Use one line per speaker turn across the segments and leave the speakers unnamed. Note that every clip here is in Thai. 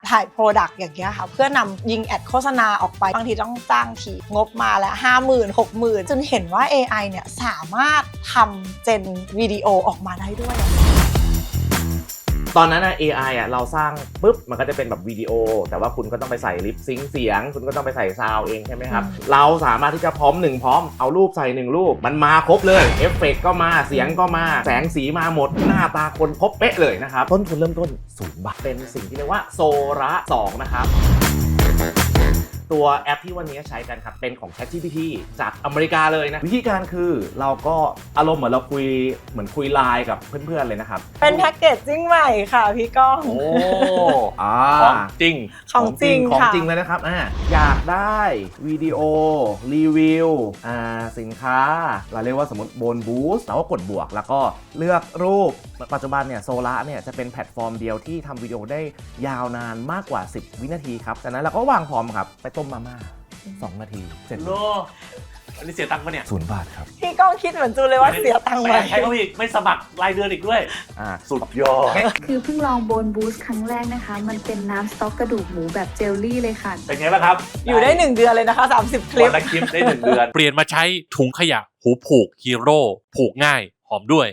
ถ่ายโปรดักต์อย่างเงี้ยค่ะเพื่อนำยิงแอดโฆษณาออกไปบางทีต้องจ้างทีงบมาแล้ว 50,000 60,000 จนเห็นว่า AI เนี่ยสามารถทำเจนวิดีโอออกมาได้ด้วย
ตอนนั้น AI เราสร้างปุ๊บมันก็จะเป็นแบบวิดีโอแต่ว่าคุณก็ต้องไปใส่ลิปซิงค์เสียงคุณก็ต้องไปใส่ซาวด์เองใช่ไหมครับเราสามารถที่จะพร้อมเอารูปใส่1รูปมันมาครบเลยเอฟเฟกต์ก็มาเสียงก็มาแสงสีมาหมดหน้าตาคนครบเป๊ะเลยนะครับต้นทุนเริ่มต้น0 บาทเป็นสิ่งที่เรียกว่าโซระ2นะครับตัวแอปที่วันนี้ใช้กันครับเป็นของ ChatGPT จากอเมริกาเลยนะวิธีการคือเราก็อารมณ์เหมือนเราคุยไลน์กับเพื่อนๆเลยนะครับ
เป็นแพ็กเกจจิ้งใหม่ค่ะพี่ก้อง
โอ้
ของจริง
ของจริง
เลยนะครับอยากได้วิดีโอรีวิวสินค้าเราเรียกว่าสมมติโบนบูสต์เราก็กดบวกแล้วก็เลือกรูปปัจจุบันเนี่ยโซล่าเนี่ยจะเป็นแพลตฟอร์มเดียวที่ทำวิดีโอได้ยาวนานมากกว่า10 วินาทีครับจากนั้นเราก็วางพร้อมครับไปต้มมาม่า2 นาทีเสร็จ
อันนี้เสียตังค์ปะเนี่ย
0 บาทครับ
พี่ก้องคิดเหมือนจูเลยว่าเสียตังค์ไหม
ใช้เขาอีกไม่สมัครรายเดือนอีกด้วยสุดยอด
คือเพิ่งลองโบนบูสต์ครั้งแรกนะคะมันเป็นน้ำสต๊อกกระดูกหมูแบบเจลลี่เลยค่ะ
เป็นไงบ้างครับ
อยู่ได้1 เดือนเลยนะคะ30 คลิป
วันละคลิปได้1 เดือน
เปลี่ยนมาใช้ถุงขยะหูผูกฮีโร่ผูกง่ายหอมด้วย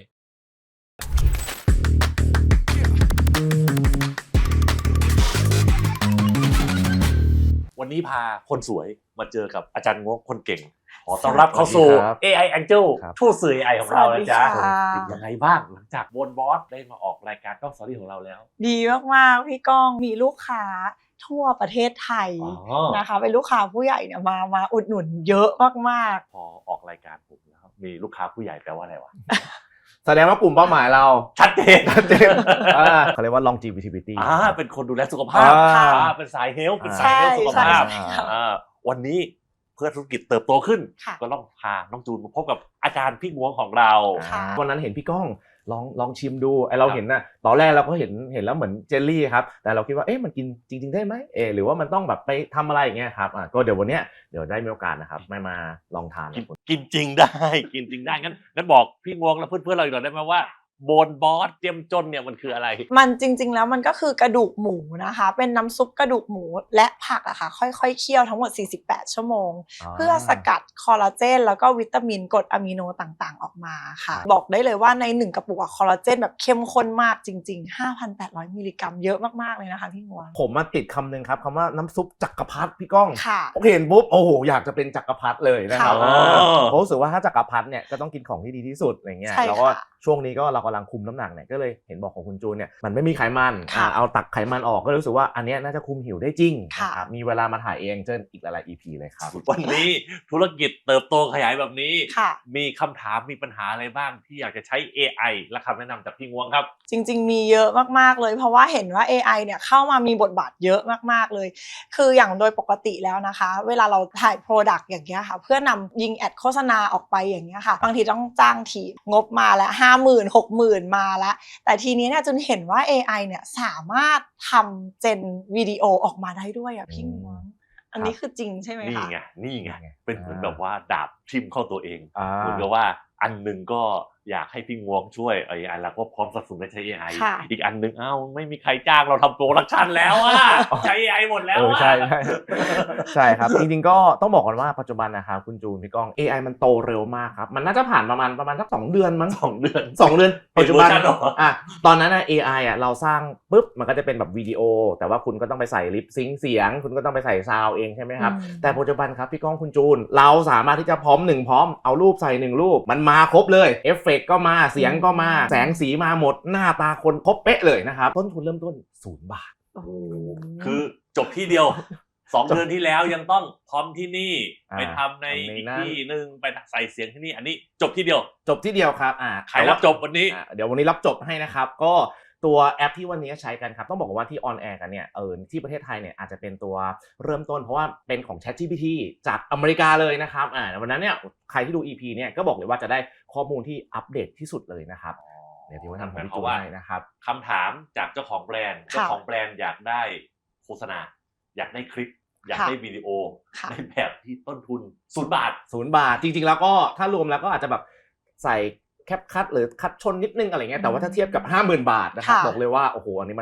วันนี้พาคนสวยมาเจอกับอาจารย์งกคนเก่งขอต้อนรับเข้าสู่ AI Angel ทูตสื่อ AI ของเรานะจ๊ะเป็นยังไงบ้างหลังจากโบนบอสได้มาออกรายการต้องสตอรี่ของเราแล้ว
ดีมากๆพี่ก้องมีลูกค้าทั่วประเทศไทยนะคะเป็นลูกค้าผู้ใหญ่เนี่ยมาอุดหนุนเยอะมาก
ๆพอออกรายการผมแล้วมีลูกค้าผู้ใหญ่แปลว่าอะไรวะ
แสดงว่ากลุ่มเป้าหมายเรา
ชัดเจน
เขาเรียกว่า longevity
เป็นคนดูแลสุขภาพเป็นสายเฮลท์เป็นสายเฮลท์สุขภาพวันนี้เพื่อธุรกิจเติบโตขึ้นก็ต้องพาน้องจูนมาพบกับอาจารย์พี่งวงของเรา
วันนั้นเห็นพี่ก้องลองชิมดูเราเห็นนะตอนแรกเราก็เห็นแล้วเหมือนเจลลี่ครับแต่เราคิดว่ามันกินจริงๆได้ไหมหรือว่ามันต้องแบบไปทำอะไรอย่างเงี้ยครับก็เดี๋ยววันเนี้ยเดี๋ยวได้มีโอกาสนะครับมาลองทาน
กินจริงได้กินจริงได้งั้นบอกพี่งวงและเพื่อนๆเราอีกหน่อยได้ไหมว่าโบนบอสเจียมจนเนี่ยมันคืออะไร
มันจริงๆแล้วมันก็คือกระดูกหมูนะคะเป็นน้ำซุปกระดูกหมูและผักอะค่ะค่อยๆเคี่ยวทั้งหมด48 ชั่วโมงเพื่อสกัดคอลลาเจนแล้วก็วิตามินกรดอะมิโนต่างๆออกมาค่ะบอกได้เลยว่าใน1 กระปุกคอลลาเจนแบบเข้มข้นมากจริงๆ 5,800 มิลลิกรัมเยอะมากๆเลยนะคะพี่งวง
ผมมาติดคำหนึ่งครับคำว่าน้ำซุปจักรพรรดิพี่ก้องเห็นปุ๊บโอ้โหอยากจะเป็นจักรพรรดิเลยนะครับผมรู้สึกว่าถ้าจักรพรรดิเนี่ยก็ต้องกินของที่ดีที่สุดอย่างเงี้ยแล้วก็ช่วงนี้ก็เรากำลังคุมน้ำหนักเนี่ยก็เลยเห็นบอกของคุณจูนเนี่ยมันไม่มีไขมันเอาตักไขมันออกก็รู้สึกว่าอันนี้น่าจะคุมหิวได้จริงนะครับมีเวลามาถ่ายเองเจออีกหลาย EP เลยครับ
วันนี้ธุรกิจเติบโตขยายแบบนี้มีคำถามมีปัญหาอะไรบ้างที่อยากจะใช้ AI และคำแนะนำจากพี่งวงครับ
จริงๆมีเยอะมากๆเลยเพราะว่าเห็นว่า AI เนี่ยเข้ามามีบทบาทเยอะมากๆเลยคืออย่างโดยปกติแล้วนะคะเวลาเราถ่ายโปรดักต์อย่างเงี้ยค่ะเพื่อนำยิงแอดโฆษณาออกไปอย่างเงี้ยค่ะบางทีต้องจ้างทีงบมาแล้ว 50,000 60,000 มาแล้วแต่ทีนี้เนี่ยจนเห็นว่า AI เนี่ยสามารถทำเจนวิดีโอออกมาได้ด้วยพี่งวงอันนี้คือจริงใช่ไหมคะ
นี่ไงเป็นเหมือนแบบว่าดาบทิ่มเข้าตัวเองเหมือนกับว่าอันหนึ่งก็อยากให้พี่งวงช่วยAI เราก็พร้อมสนับสนุนให้ใช้ AI อีกอันหนึ่งไม่มีใครจ้างเราทำโปรดักชันแล้วใช้ AI หมดแล้ว
ใช่ครับจริงๆก็ต้องบอกก่อนว่าปัจจุบันนะครับคุณจูนพี่ก้อง AI มันโตเร็วมากครับมันน่าจะผ่านประมาณสัก2 เดือนมั้ง2 เดือนปัจจุบันตอนนั้นAI เราสร้างปุ๊บมันก็จะเป็นแบบวิดีโอแต่ว่าคุณก็ต้องไปใส่ลิปซิงค์เสียงคุณก็ต้องไปใส่ซาวด์เองใช่ไหมครับแต่ปัจจุบันครับพี่ก้องคุณจูนเราสามารถที่จะพร้อมเอารูปใส่1รูปมันมาครบเลยเอฟเฟกต์ก็มาเสียงก็มาแสงสีมาหมดหน้าตาคนครบเป๊ะเลยนะครับต้นทุนเริ่มต้น0 บาท
คือจบที่เดียว2 เดือนที่แล้วยังต้องพร้อมที่นี่ไปทำในอีกที่นึงไปใส่เสียงที่นี่อันนี้จบที่เดียว
ครับ
ใครรับจบวันนี้
เดี๋ยววันนี้รับจบให้นะครับก็ตัวแอปที่วันนี้ใช้กันครับต้องบอกว่าที่ออนแอร์กันเนี่ยที่ประเทศไทยเนี่ยอาจจะเป็นตัวเริ่มต้นเพราะว่าเป็นของ ChatGPT จากอเมริกาเลยนะครับวันนั้นเนี่ยใครที่ดู EP เนี่ยก็บอกเลยว่าจะได้ข้อมูลที่อัปเดตที่สุดเลยนะครับเดี๋ยวที่ว่าทำของพี่จูนให้นะครับ
คำถามจากเจ้าของแบรนด์อยากได้โฆษณาอยากได้คลิปอยากได้วิดีโอในแบบที่ต้นทุน0 บาท
จริงๆแล้วก็ถ้ารวมแล้วก็อาจจะแบบใส่แคปคัทหรือคัดชนนิดนึงอะไรเงี้ยแต่ว่าถ้าเทียบกับ 50,000 บาทนะครับบอกเลยว่าโอ้โหอันนี้มัน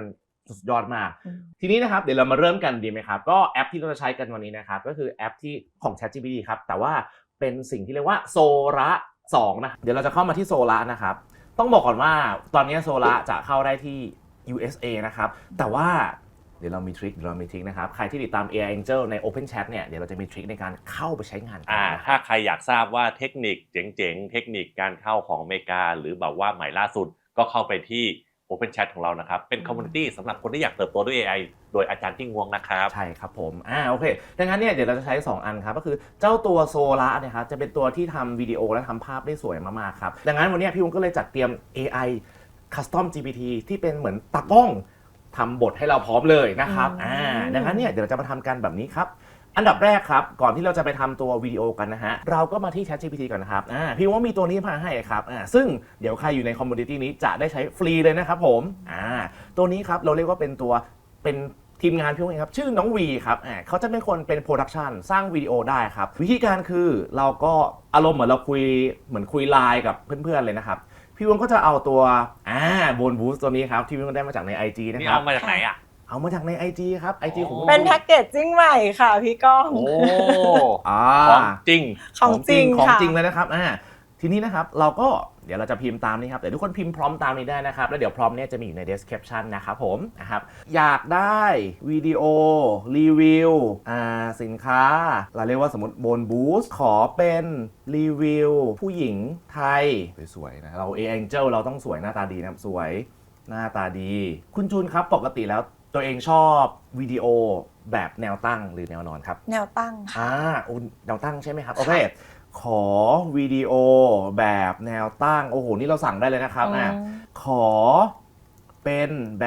สุดยอดมากทีนี้นะครับเดี๋ยวเรามาเริ่มกันดีไหมครับก็แอปที่เราจะใช้กันวันนี้นะครับก็คือแอปที่ของ ChatGPT ครับแต่ว่าเป็นสิ่งที่เรียกว่าโซระ2นะเดี๋ยวเราจะเข้ามาที่โซระนะครับต้องบอกก่อนว่าตอนนี้โซระจะเข้าได้ที่ USA นะครับแต่ว่าเดี๋ยวเรามีทริคนะครับใครที่ติดตาม AI Angel ใน Open Chat เนี่ยเดี๋ยวเราจะมีทริคในการเข้าไปใช้งานกัน
ถ้าใครอยากทราบว่าเทคนิคเจ๋งๆเทคนิคการเข้าของอเมริกาหรือแบบว่าใหม่ล่าสุดก็เข้าไปที่ Open Chat ของเรานะครับเป็นคอมมูนิตี้สำหรับคนที่อยากเติบโตด้วย AI โดยอาจารย์ที่งวงนะครับ
ใช่ครับผมโอเคดังนั้นเนี่ยเดี๋ยวเราจะใช้2อันครับก็คือเจ้าตัวโซล่าเนี่ยครับจะเป็นตัวที่ทำวิดีโอและทำภาพได้สวยมากๆครับดังนั้นวันนี้พี่วุ้นก็เลยจัดเตรียม AI Custom GPT ที่เป็นเหมือนตากล้องทำบทให้เราพร้อมเลยนะครับดังนั้นเนี่ยเดี๋ยวเราจะมาทำกันแบบนี้ครับอันดับแรกครับก่อนที่เราจะไปทำตัววิดีโอกันนะฮะเราก็มาที่ ChatGPT ก่อนนะครับพี่ว่ามีตัวนี้มาให้ครับซึ่งเดี๋ยวใครอยู่ในคอมมูนิตี้นี้จะได้ใช้ฟรีเลยนะครับผมตัวนี้ครับเราเรียกว่าเป็นทีมงานพี่ว่าครับชื่อน้องวีครับเขาจะเป็นคนเป็นโปรดักชันสร้างวิดีโอได้ครับวิธีการคือเราก็อารมณ์เหมือนเราคุยไลน์กับเพื่อนๆเลยนะครับพี่วงก็จะเอาตัวโบนบูสตัวนี้ครับที่พี่วงได้มาจากใน IG นะครับ
นี่เอามาจากไหน
เอามาจากใน IG ครับ IG ของ
เป็นแพ็กเกจจิ้งใหม่ค่ะพี่ก้อง
ของจริง
ของจริง
เลยนะครับทีนี้นะครับเราก็เดี๋ยวเราจะพิมพ์ตามนี้ครับแต่ทุกคนพิมพ์พร้อมตามนี้ได้นะครับแล้วเดี๋ยวพร้อมเนี่ยจะมีอยู่ใน description นะครับผมนะครับอยากได้วิดีโอรีวิวสินค้าเราเรียกว่าสมมติบนบูสขอเป็นรีวิวผู้หญิงไทยสวยๆนะเรา AI Angel เราต้องสวยหน้าตาดีนะสวยหน้าตาดีคุณจูนครับปกติแล้วตัวเองชอบวิดีโอแบบแนวตั้งหรือแนวนอนครับ
แนวตั้งค่ะ
แนวตั้งใช่ไหมครับโอเคขอวิดีโอแบบแนวตั้งโอ้โหนี่เราสั่งได้เลยนะครับขอเป็นแบบ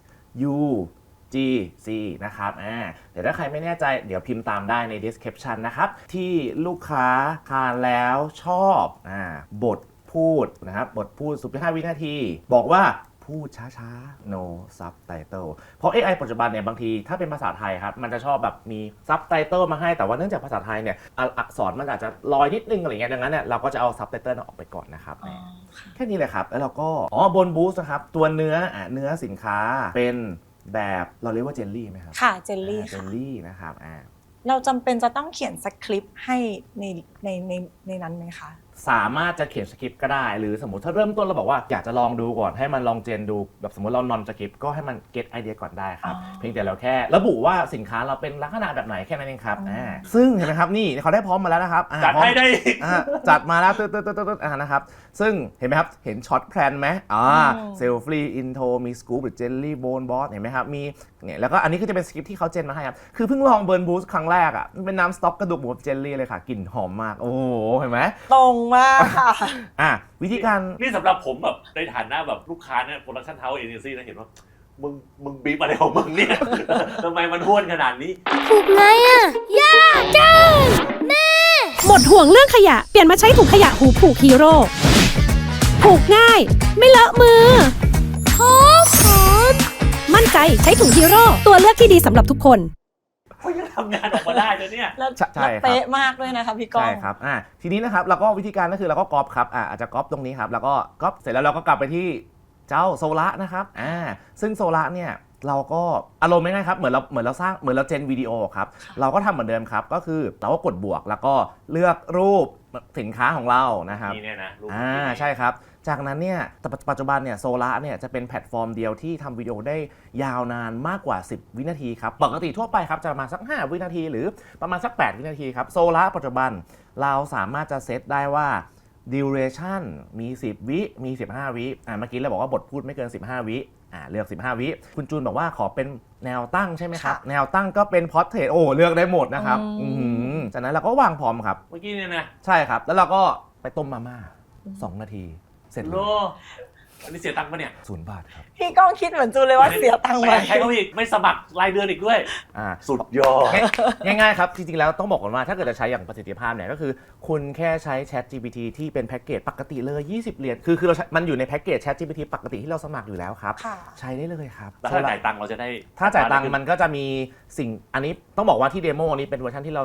UGC นะครับเดี๋ยวถ้าใครไม่แน่ใจเดี๋ยวพิมพ์ตามได้ใน description นะครับที่ลูกค้าทานแล้วชอบบทพูดนะครับบทพูด15 วินาทีบอกว่าพูดช้าๆ no subtitle เพราะ AI ปัจจุบันเนี่ยบางทีถ้าเป็นภาษาไทยครับมันจะชอบแบบมี subtitle มาให้แต่ว่าเนื่องจากภาษาไทยเนี่ยอักษรมันอาจจะลอยนิดนึงอะไรเงี้ยดังนั้นเนี่ยเราก็จะเอา subtitle ออกไปก่อนนะครับแค่นี้เลยครับแล้วเราก็บนบูสนะครับตัวเนื้อสินค้าเป็นแบบเราเรียกว่าเจลลี่ไหมครับ
ค่ะเจลลี่
เจลลี่นะครับ
เราจำเป็นจะต้องเขียนสคริปต์ให้ในนั้นไหมคะ
สามารถจะเขียนสคริปต์ก็ได้หรือสมมติถ้าเริ่มต้นเราบอกว่าอยากจะลองดูก่อนให้มันลองเจนดูแบบสมมติเรานอนสคริปต์ก็ให้มันเก็ตไอเดียก่อนได้ครับเพียงแต่เราแค่ระบุว่าสินค้าเราเป็นลักษณะแบบไหนแค่นั้นเองครับซึ่งเห็นไหมครับนี่เขาได้พร้อมมาแล้วนะครับ
จัดให้ได้
จัดมาแล้วตึ๊ดนะครับซึ่งเห็นไหมครับเห็นช็อตแพลนไหมเซลฟี่อินโทรมีสกู๊ปหรือเจลลี่โบนบอสเห็นไหมครับมีเนี่ยแล้วก็อันนี้ก็จะเป็นสคริปต์ที่เขาเจนมาให้ครับคือเพิ่งลองเบิร์นบูสครั้งแรกมันเป็นน้ำสต๊อกกระดูกหมูเจลลี่เลยค่ะกลิ่นหอมมากโอ้โหเห็นไหม
ตรงมากค่ะ
วิธีการ
นี่สำหรับผมแบบในฐานะแบบลูกค้าเนี่ยโปรดักชั่นเฮาส์เอเจนซี่นะเห็นว่ามึงบีบอะไรของมึงเนี่ยทำไมมันห้วนขนาดนี้
ถูกไงยากจังแม่หมดห่วงเรื่องขยะเปลี่ยนมาใช้ถุงขยะหูผูกฮีโร่ผูกง่ายไม่เลอะมือหอมมั่นใจใช้ถุงฮีโร่ตัวเลือกที่ดีสำหรับทุกคน
เขายังทำงานออกมาได้เลยเนี่ย
ใช่ครับเป๊ะมากด้วยนะคะพี่ก้อง
ใช่ครับทีนี้นะครับเราก็วิธีการก็คือเราก็ก๊อปครับอาจจะก๊อปตรงนี้ครับแล้วก็ก๊อปเสร็จแล้วเราก็กลับไปที่เจ้าโซล่านะครับซึ่งโซล่าเนี่ยเราก็อารมณ์ง่ายๆครับเหมือนเราเจนวิดีโอครับเราก็ทำเหมือนเดิมครับก็คือเราก็กดบวกแล้วก็เลือกรูปสินค้าของเรานะครับ
นี่เนี่ยนะรูป
ใช่ครับจากนั้นเนี่ยปัจจุบันเนี่ยโซล่าเนี่ยจะเป็นแพลตฟอร์มเดียวที่ทำวิดีโอได้ยาวนานมากกว่า10วินาทีครับปกติทั่วไปครับจะมาสัก5วินาทีหรือประมาณสัก8วินาทีครับโซล่าปัจจุบันเราสามารถจะเซตได้ว่า duration มี10วิมี15วิเมื่อกี้เราบอกว่าบทพูดไม่เกิน15วิเลือก15วิคุณจูนบอกว่าขอเป็นแนวตั้งใช่ไหมครับแนวตั้งก็เป็นพอร์เทรตเลือกได้หมดนะครับจากนั้นเราก็วางพร้อมครับ
เมื่อกี้เนี่ยนะ
ใช่ครับแล้วเราก็ไปต้มมาม่า2 นาทีเสร็จเลย
อันนี้เสียตังค์ปะเนี่ย
0 บาทครับ
พี่ก้องคิดเหมือนจูนเลยว่าเสียตังค์ไป
ใช้เขาอีกไม่สมัครรายเดือนอีกด้วยสุดยอด
ง่ายๆครับจริงๆแล้วต้องบอกก่อนว่าถ้าเกิดจะใช้อย่างประสิทธิภาพเนี่ยก็คือคุณแค่ใช้ ChatGPT ที่เป็นแพ็กเกจปกติเลย20 เหรียญคือมันอยู่ในแพ็กเกจ ChatGPT ปกติที่เราสมัครอยู่แล้วครับใช้ได้เลยครับ
ถ้าจ่ายตังค์เราจะได้
ถ้าจ่ายตังค์มันก็จะมีสิ่งอันนี้ต้องบอกว่าที่เดโมนี้เป็นเวอร์ชันที่เรา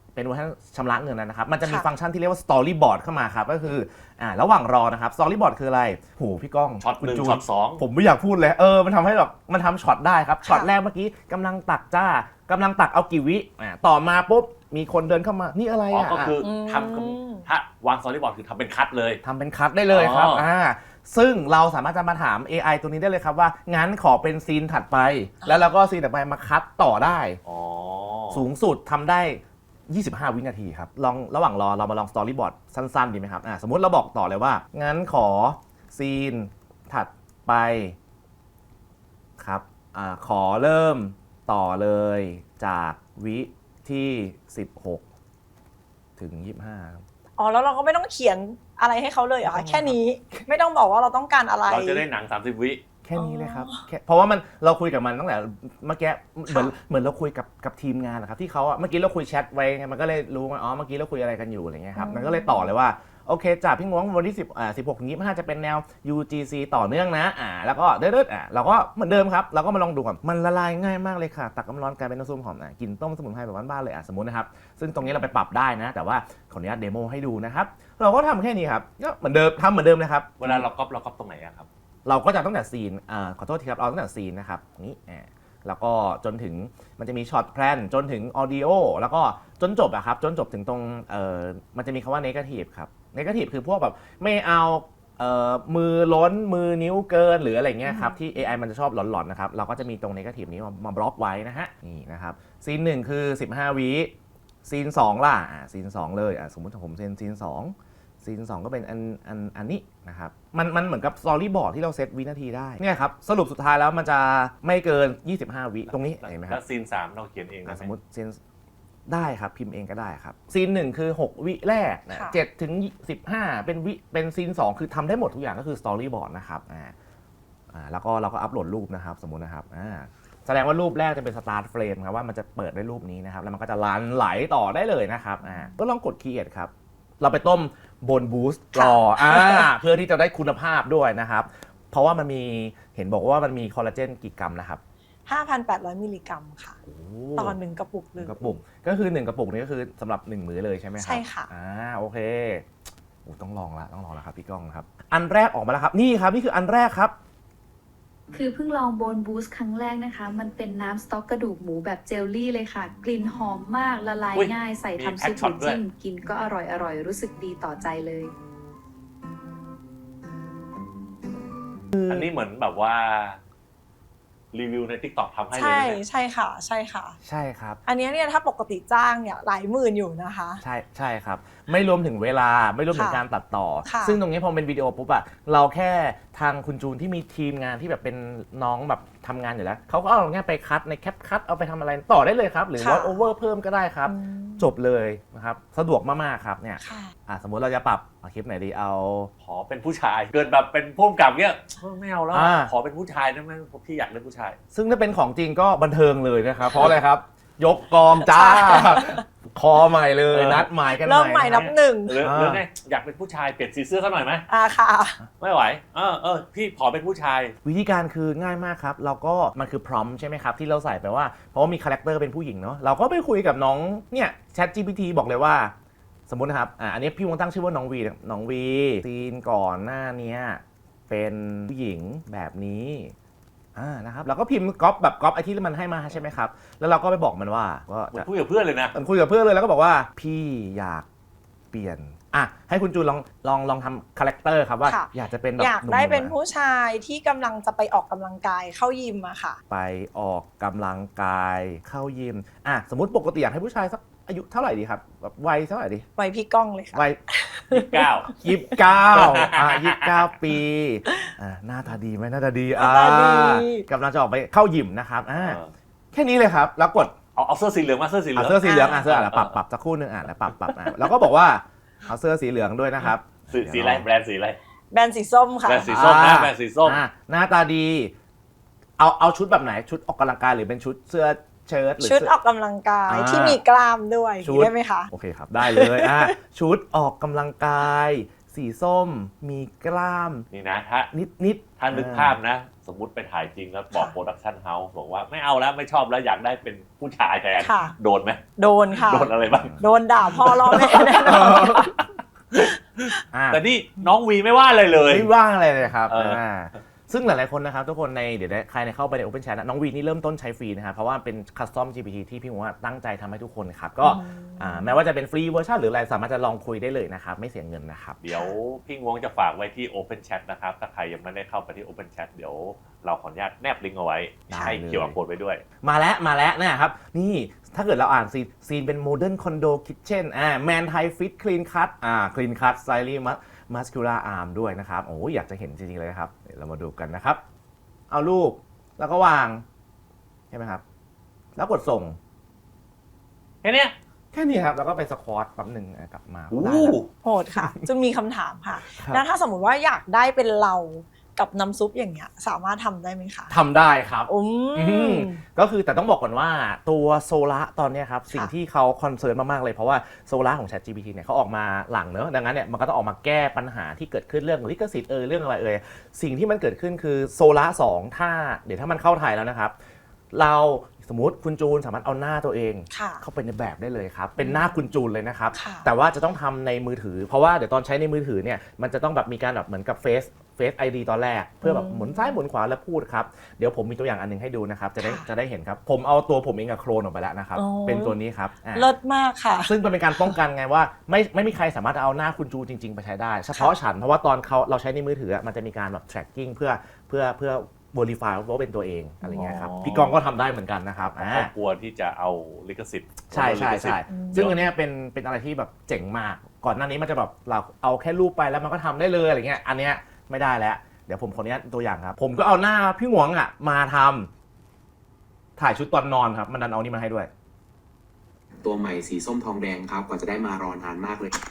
เป็นเวอร์ชันชำระเงินนะครับมันจะมีฟังก์ชันที่เรียกว่า storyboard เข้ามาครับก็คือระหว่างรอนะครับ storyboard คืออะไรโหพี่ก้อง
ช็อต 1 ช็อต 2
ผมไม่อยากพูดเลยมันทำให้แบบมันทำช็อตได้ครับช็อตแรกเมื่อกี้กำลังตักกำลังตักเอากี่วิต่อมาปุ๊บมีคนเดินเข้ามานี่อะไร
ก็คือทำถ้าวาง storyboard คือทำเป็นคัทเลย
ทำเป็นคัทได้เลยครับซึ่งเราสามารถจะมาถาม AI ตัวนี้ได้เลยครับว่างั้นขอเป็นซีนถัดไปแล้วเราก็ซีนถัดไปมาคัทต่อได้สูงสุดทำได้25 วินาทีครับลองระหว่างรอเรามาลองสตอรี่บอร์ดสั้นๆดีไหมครับสมมุติเราบอกต่อเลยว่างั้นขอซีนถัดไปครับขอเริ่มต่อเลยจากวิที่16ถึง25
แล้วเราก็ไม่ต้องเขียนอะไรให้เขาเลยเหรอคะแค่นี้ไม่ต้องบอกว่าเราต้องการอะไร
เราจะได้หนัง30 วิ
แค่นี้เลยครับเพราะว่าเราคุยกับมันตั้งแต่เมื่อกี้เหมือนเราคุยกับทีมงานนะครับที่เขาเมื่อกี้เราคุยแชทไว้ไงมันก็เลยรู้ว่าเมื่อกี้เราคุยอะไรกันอยู่อะไรเงี้ยครับมันก็เลยต่อเลยว่าโอเคจากพี่งวงวันที่16ถึง25จะเป็นแนว UGC ต่อเนื่องนะแล้วก็เด็ดเราก็เหมือนเดิมครับเราก็มาลองดูก่อนมันละลายง่ายมากเลยค่ะตักน้ำร้อนกลายเป็นน้ำซุปหอมกินต้มสมุนไพรแบบบ้านๆเลยสมมุตินะครับซึ่งตรงนี้เราไปปรับได้นะแต่ว่าขออนุญาตเดโมให้ดูนะครับเราก็ทำแค่นี้ครับก็เหมือนเดิมทำเหมือนเดิมนะครับ
เวลาเราก๊อปตรงไหนครับ
เราก็จะตั้งแต่ซีนขอโทษทีครับเราตั้งแต่ซีนนะครับนี้แล้วก็จนถึงมันจะมีช็อตแพลนจนถึงออดิโอแล้วก็จนจบครับจนจบถึงตรงมันจะมีคำว่า negative ครับ negative คือพวกแบบไม่เอามือล้นมือนิ้วเกินหรืออะไรเงี้ยครับที่ AI มันจะชอบหลอนๆนะครับเราก็จะมีตรง negative นี้มาบล็อกไว้นะฮะนี่นะครับซีน1คือ15 วิซีน2ล่ะซีน2เลยสมมุติผมเซ็นซีน2ซีน2ก็เป็นอันนี้นะครับมันเหมือนกับสตอรี่บอร์ดที่เราเซตวินาทีได้เนี่ยครับสรุปสุดท้ายแล้วมันจะไม่เกิน25 วิตรงนี้เห็นไหมครับ
แล้วซีน3เราเขียนเอง
สมมติซีนได้ครับพิมพ์เองก็ได้ครับซีน1คือ6วิแรก7ถึง15เป็นซีน2คือทำได้หมดทุกอย่างก็คือสตอรี่บอร์ดนะครับแล้วก็เราก็อัปโหลดรูปนะครับสมมุตินะครับแสดงว่ารูปแรกจะเป็นสตาร์ทเฟรมครับว่ามันจะเปิดด้วยรูปนี้นะครับแล้วมันก็จะลันไหลต่อได้เลยนะครับก็ลองกด create ครับเราไปต้มบนบูสต์รอเพื่อที่จะได้คุณภาพด้วยนะครับเพราะว่ามันมีเห็นบอกว่ามันมีคอลลาเจนกี่กรัมนะครับ
5,800 มิลลิกรัมค่ะต่อ1กระปุกเลย
กระปุกก็คือ1กระปุกนี้ก็คือสำหรับ1มื้อเลยใช่ไหมครับ
ใช่ค่ะ
โอเคต้องลองละครับพี่ก้องครับอันแรกออกมาแล้วครับนี่ครับนี่คืออันแรกครับ
คือเพิ่งลองโบนบูสต์ครั้งแรกนะคะมันเป็นน้ำสต๊อกกระดูกหมูแบบเจลลี่เลยค่ะกลิ่นหอมมากละลายง่ายใส่ทำซุปหรือจิ้มกินก็อร่อยรู้สึกดีต่อใจเลย
อันนี้เหมือนแบบว่ารีวิวใน TikTok ทำให้เลย
ใช่ค่ะใช่
ครับ
อันนี้เนี่ยถ้าปกติจ้างเนี่ยหลายหมื่นอยู่นะคะ
ใช่ครับไม่รวมถึงเวลาไม่รวมถึงการตัดต่อซึ่งตรงนี้พอเป็นวิดีโอปุ๊บเราแค่ทางคุณจูนที่มีทีมงานที่แบบเป็นน้องแบบทำงานอยู่แล้วเขาก็เอาง่ายไปคัดในแคปคัดเอาไปทำอะไรต่อได้เลยครับหรือว่าโอเวอร์เพิ่มก็ได้ครับจบเลยนะครับสะดวกมากๆครับเนี่ยสมมุติเราจะปรับคลิปไหนดีเอา
ขอเป็นผู้ชายเกิดแบบเป็นผู้กำกับเนี่ยไม่เอาแล้วขอเป็นผู้ชายได้ไหมพี่อยากเล่นผู้ชาย
ซึ่งถ้าเป็นของจริงก็บันเทิงเลยนะครับเพราะอะไรครับยกกองจ้าคอใหม่เลยนัดหมายกัน
เริ่มใหม่นับหนึ่ง
หรือไงอยากเป็นผู้ชายเปลี่ยนสีเสื้อเขาหน่อยไหม
ค่ะ
ไม่ไหวพี่ขอเป็นผู้ชาย
วิธีการคือง่ายมากครับเราก็มันคือพร้อมใช่ไหมครับที่เราใส่ไปว่าเพราะว่ามีคาแรคเตอร์เป็นผู้หญิงเนาะเราก็ไปคุยกับน้องเนี่ย ChatGPT บอกเลยว่าสมมุตินะครับอันนี้พี่วงตั้งชื่อว่าน้องวีซีนก่อนหน้านี้เป็นผู้หญิงแบบนี้นะครับเราก็พิมพ์ก๊อปไอที่มันให้มาใช่ไหมครับแล้วเราก็ไปบอกมันว่า
จะคุยกับเพื่อนเลยนะ
มันคุยกับเพื่อนเลยแล้วก็บอกว่าพี่อยากเปลี่ยนให้คุณจูนลองทำคาแรคเตอร์ครับว่าอยากจะเป็นแบบ
อยากได้เป็นผู้ชายที่กำลังจะไปออกกำลังกายเข้ายิมค่ะ
ไปออกกำลังกายเข้ายิมสมมติปกติอยากให้ผู้ชายสักอายุเท่าไหร่ดีครับแบบวัยเท่าไหร่ดี
วัยพี่ก้องเลยค่ะ
วัย29 ปีหน้าตาดีไหมหน้าตาดีกำลังจะออกไปเข้ายิมนะครับแค่นี้เลยครับแล้วกด
เอาเสื้อสีเหลืองมาเสื้อสีเหลือง
เสื้อสีเหลืองเสื้อปรับสักคู่นึงแล้วปรับแล้วก็บอกว่าเอาเสื้อสีเหลืองด้วยนะครับ
สีอะไรแบรนด์สีอะไร
แบรนด์สีส้มค่ะ
แบรนด์สีส้มนะแบรนด์สีส้ม
หน้าตาดีเอาชุดแบบไหนชุดออกกำลังกายหรือเป็นชุดเสื้อเชิ้ตหรือ
ชุดออกกำลังกายที่มีกล้ามด้วยได้ไหมคะ
โอเคครับได้เลยชุดออกกำลังกายสีส้มมีกล้าม
นี่นะถ้า
นิด
ถ้านึกภาพนะสสมมุติไปถ่ายจริงแล้วบอกโปรดักชั่นเฮาส์บอกว่าไม่เอาแล้วไม่ชอบแล้วอยากได้เป็นผู้ชายแทน
ค่ะ
โดนไหม
โดนค่ะ
โดนอะไรบ้าง
โดนด่าพ่อล่อแม่แน่นอนค่ะ
แต่นี่น้องวีไม่ว่าอะไรเลย
ไม่ว่างอะไรเลยครับ
เอออ่
ซึ่งหลายๆคนนะครับทุกคนในเดี๋ยวใครเข้าไปใน Open Chat น้องวีนี่เริ่มต้นใช้ฟรีนะครับเพราะว่าเป็น Custom GPT ที่พี่หมูว่าตั้งใจทำให้ทุกคนครับก็แม้ว่าจะเป็นฟรีเวอร์ชันหรืออะไรสามารถจะลองคุยได้เลยนะครับไม่เสียเงินนะครับ
เดี๋ยวพี่งวงจะฝากไว้ที่ Open Chat นะครับถ้าใครยังไม่ได้เข้าไปที่ Open Chat เดี๋ยวเราขออนุญาตแนบลิงก์เอาไว้
ได้
ให้
เลย
เกี่ยวกับโค้ดไว้ด้วย
มาแล้วนะครับนี่ถ้าเกิดเราอ่านซีนเป็น Modern Condo Kitchen Man Thai Fit Clean Cut Clean Cut Slightly Muscular Arm ด้วยนะครับโอ้ยอยากจะเห็นจริงๆเลยครับเดี๋ยวเรามาดูกันนะครับเอารูปแล้วก็วางใช่ไหมครับแล้วกดส่ง
แค่เนี้ย
แค่นี้ครับแล้วก็ไปสควอตแป๊บหนึ่งกลับมา
โอ้
ได้แล้ว
โหดค่ะจะมีคำถามค่ะ
ครับ
แล้วถ้าสมมติว่าอยากได้เป็นเรากับน้ำซุปอย่างเงี้ยสามารถทำได้ไหมคะ
ทำได้ครับ
อืม
ก็คือแต่ต้องบอกก่อนว่าตัวโซล่าตอนเนี้ยครับสิ่งที่เขาคอนเซิร์นมากๆเลยเพราะว่าโซล่าของ ChatGPT เนี่ยเขาออกมาหลังเนอะดังนั้นเนี่ยมันก็ต้องออกมาแก้ปัญหาที่เกิดขึ้นเรื่องลิขสิทธิ์เรื่องอะไรสิ่งที่มันเกิดขึ้นคือโซล่า2ถ้าเดี๋ยวถ้ามันเข้าไทยแล้วนะครับเราสมมติคุณจูนสามารถเอาหน้าตัวเอง
ค่ะ
เข้าไปในแบบได้เลยครับเป็นหน้าคุณจูนเลยนะครับ
ค่ะ
แต่ว่าจะต้องทำในมือถือเพราะว่าเดี๋ยวตอนใช้ในมือถือเนี่ยมันจะต้องแบบมีการแบบเหมือนกับFace ID ตอนแรกเพื่อแบบหมุนซ้ายหมุนขวาแล้วพูดครับเดี๋ยวผมมีตัวอย่างอันนึงให้ดูนะครับจะได้เห็นครับผมเอาตัวผมเองกับโคลนออกไปแล้วนะครับเป็นตัวนี้ครับ
เลิศมากค่ะ
ซึ่งมันเป็นการป้องกันไงว่าไม่มีใครสามารถเอาหน้าคุณจูจริงๆไปใช้ได้เฉพาะฉันเพราะว่าตอนเราใช้ในมือถือมันจะมีการแบบ tracking เพื่อ verify ว่าเป็นตัวเองอะไรเงี้ยครับพี่กองก็ทำได้เหมือนกันนะครับ
เพราะกลัวที่จะเอาลิขสิทธิ์
ใช่ซึ่งอันเนี้ยเป็นอะไรที่แบบเจ๋งมากก่อนหน้านี้มันจะแบบเราเอาแค่รูปไปแล้วมันก็ทำได้เลยอะไรเงี้ยอันเนี้ยไม่ได้แล้วเดี๋ยวผมขออนุญาตตัวอย่างครับผมก็เอาหน้าพี่หวงมาทำถ่ายชุดตอนนอนครับมันดันเอานี่มาให้ด้วย
ตัวใหม่สีส้มทองแดงครับกว่าจะได้มารอนานมากเลย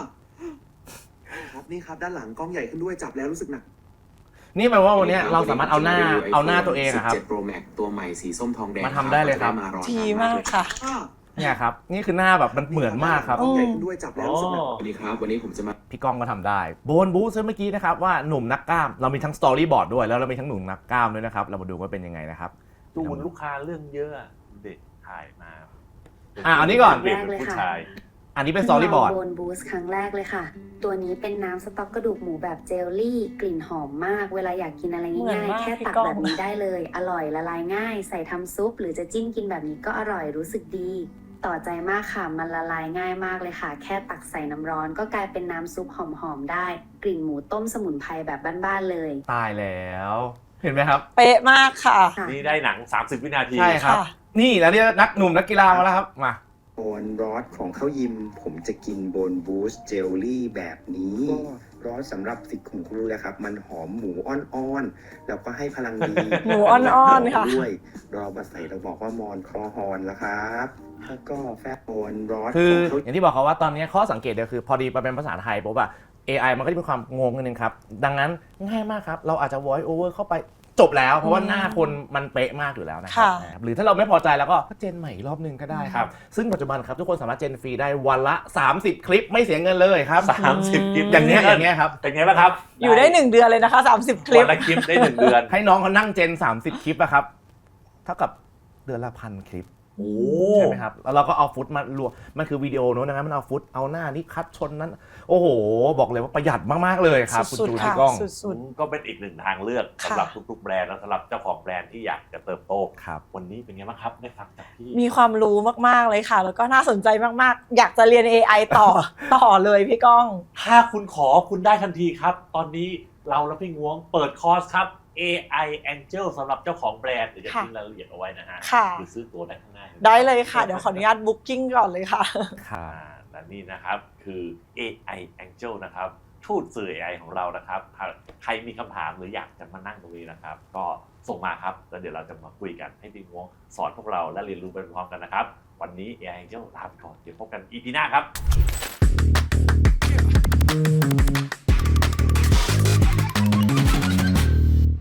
ครับนี่ครับด้านหลังกล้องใหญ่ขึ้นด้วยจับแล้วรู้สึกหนัก
นี่แปลว่าวันนี้เราสามารถเอาหน้าตัวเองครับ
17 Pro Max ตัวใหม่สีส้มทองแดง
มาทำได้เลยครับ
ดีมากค่ะ
เนี่ยครับนี่คือหน้าแบบมันเหมือนมากครับ
กล้องใหญ่ขึ้นด้วยจับแล้วรู้สึกหนักวันนี้ครับวันนี้ผมจะมา
พี่ก้องก็ทำได้โบนบูสเมื่อกี้นะครับว่าหนุ่มนักกล้ามเรามีทั้งสตอรี่บอร์ดด้วยแล้วเรามีทั้งหนุ่มนักกล้ามด้วยนะครับเรามาดูว่าเป็นยังไงนะครับ
จูนลูกค้าเรื่องเยอะเด็กถ่ายมา
อันนี้ก่อน
เปลี่ยนเป็นผู้ชาย
อันนี้เป็นสตอรี่บอร์ด
โบนบูสครั้งแรกเลยค่ะ ตัวนี้เป็นน้ำสต๊อกกระดูกหมูแบบเจลลี่ กลิ่นหอมมาก เวลาอยากกินอะไร
เหมือน
ง่าย
มาก
ๆแค่
พี่
ตัก
ก้อง
แบบนี้ได้เลย อร่อยละลายง่าย ใส่ทำซุป หรือจะจิ้มกินแบบนี้ก็อร่อยรู้สึกดี ต่อใจมากค่ะ มันละลายง่ายมากเลยค่ะ แค่ตักใส่น้ำร้อนก็กลายเป็นน้ำซุปหอมๆได้ กลิ่นหมูต้มสมุนไพรแบบบ้านๆเลย
ตายแล้วเห็นไหมครับ
เป๊ะมากค่ะ
ค่ะ
นี่ได้หนัง 30 วินาที
ใช่ครับ
ค่ะ
นี่แล้วเนี่ยนักหนุ่มนักกีฬามาแล้วครับมา
โบนรอสของข้าวยิมผมจะกินโบนบูสเจลลี่แบบนี้ก็รอสสำหรับสิทธิ์ของคุณรู้แล้วครับมันหอมหมูอ่อนๆแล้วก็ให้พลังดี
หมูอ่อนๆค่ะ
ด้วยเรามาใส่เราบอกว่ามอนคอฮอนแล้วครับแล้วก็แฟบโบนรอส
คือ
ของเขา
อย่างที่บอกเขาว่าตอนนี้ข้อสังเกตเดียวคือพอดีมาเป็นภาษาไทยปุ๊บอะ AI มันก็จะมีความงงนิดนึงครับดังนั้นง่ายมากครับเราอาจจะ voice over เข้าไปจบแล้วเพราะว่าหน้าคนมันเป๊ะมากอยู่แล้วนะครับ
ค่ะ
หรือถ้าเราไม่พอใจแล้วก็เจนใหม่อีกรอบนึงก็ได้ครับซึ่งปัจจุบันครับทุกคนสามารถเจนฟรีได้วันละ30 คลิปไม่เสียเงินเลยครับ
30 คลิป
อย่างเนี้ยครับ
เป็นไงบ้างครับ
อยู่ได้1 เดือนเลยนะคะ30 คลิ
วั
ป
นละคลิปได้ 1 เดือน
ให้น้องเขานั่งเจน30 คลิปอะครับเท่ากับเดือนละ1,000 คลิป
โอ้
ใช่ไหมครับแล้วเราก็เอาฟุตมารวมมันคือวิดีโอเนอะดังนั้นมันเอาฟุตเอาหน้านี่คัดชนนั้นโอ้โหบอกเลยว่าประหยัดมากๆเลยครับคุณ
สุด
จูน
ๆ
พี่
ค่ะ
ก้อง
สุด
ก็เป็นอีกหนึ่งทางเลือก
ค่ะ
สำหรับทุกๆแบรนด์และสำหรับเจ้าของแบรนด์ที่อยากจะเติบโต
ครับ
วันนี้เป็นไงบ้างครับได้ฟังจากพี่
มีความรู้มากๆเลยค่ะ แล้วก็น่าสนใจมากๆ อยากจะเรียน AI ต่อเลยพี่ก้อง
ถ้าคุณขอคุณได้ทันทีครับ ตอนนี้เราและพี่งวงเปิดคอร์สครับ AI Angel สำหรับเจ้าของแบรนด์เดี๋ยวจะ
ค่ะ
ทิ้งรายละเอียดเอาไว้นะฮะ
ค่ะ
หรือซื้อตัวได้ข้างหน้า
ได้เลยค่ะ เดี๋ยวขออนุญาตบุ๊กิ้งก่อนเลยค่ะ
และนี่นะครับคือ AI Angel นะครับทูตสื่อ AI ของเรานะครับใครมีคำถามหรืออยากจะมานั่งตรงนี้นะครับ ก็ส่งมาครับแล้วเดี๋ยวเราจะมาคุยกันให้พี่งวงสอนพวกเราและเรียนรู้ไปพร้อมกันนะครับ วันนี้ AI Angel ลาไปก่อนเดี๋ยวพบกัน EP หน้าครับ